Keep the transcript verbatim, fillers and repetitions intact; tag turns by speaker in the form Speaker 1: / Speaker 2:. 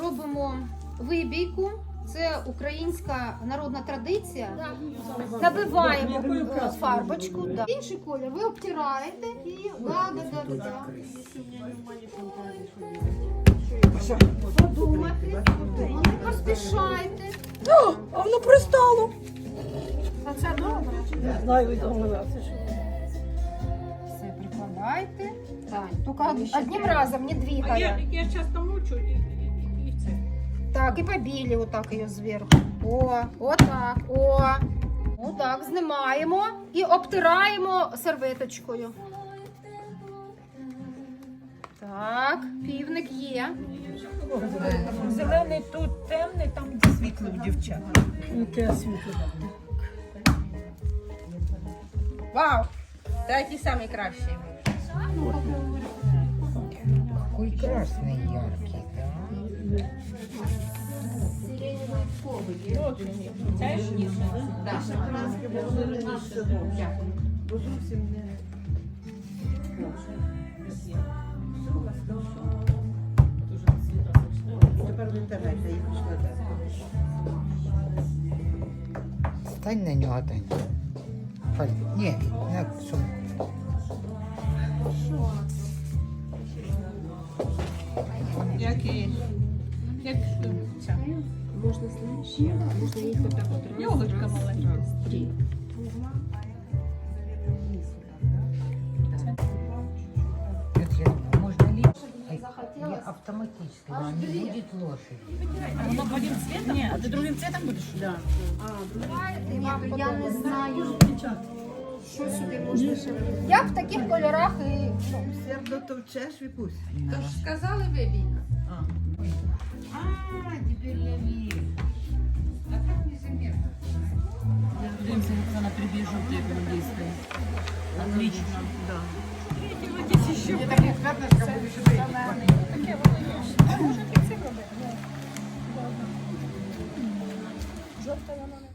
Speaker 1: робимо вибійку. Це українська народна традиція. Набиваємо е, фарбочку. Да. Інший колір ви обтираєте і да, да, да, да, да. Подумайте, не поспішайте.
Speaker 2: О, а воно пристало.
Speaker 1: А це добре.
Speaker 2: Не знаю, відомилася.
Speaker 1: Все, прикладайте. Так, тільки одним разом, не двигая.
Speaker 3: Я, я часто мучу і, і, і це.
Speaker 1: Так, і побілі отак її зверху. О, отак, о. Отак, знімаємо і обтираємо серветочкою. Так, півник є.
Speaker 3: Зелений тут темний, там де світло у дівчат.
Speaker 2: Яке світло.
Speaker 3: Вау! Такі самі кращі.
Speaker 4: Какой красный яркий, да?
Speaker 3: Це ж ніжно.
Speaker 4: Стань на нього, Тань. Паль... Ні, на сумку.
Speaker 3: Як і... Як ця.
Speaker 5: Можна, знаєш, можна їх отак от
Speaker 3: Йолочка маленька.
Speaker 4: Петя, можно ли я автоматически, но не будет лошади?
Speaker 3: Воно одним цветом? Ні, а ти другим цветом будеш? Да.
Speaker 1: Я не знаю, що сюди можна ще. Я в таких кольорах і...
Speaker 6: Сердо товчеш, Вікусь?
Speaker 5: Тож сказали вибійка.
Speaker 4: А, теперь я вижу. А так незаметно.
Speaker 3: Дивимося, як вона прибіжу, як вона дійсно. Отлично. Да.
Speaker 4: Мне так не пятнышко будет сюда идти.
Speaker 3: Таке воно є. Може, ти це робити?
Speaker 2: Жовта вона не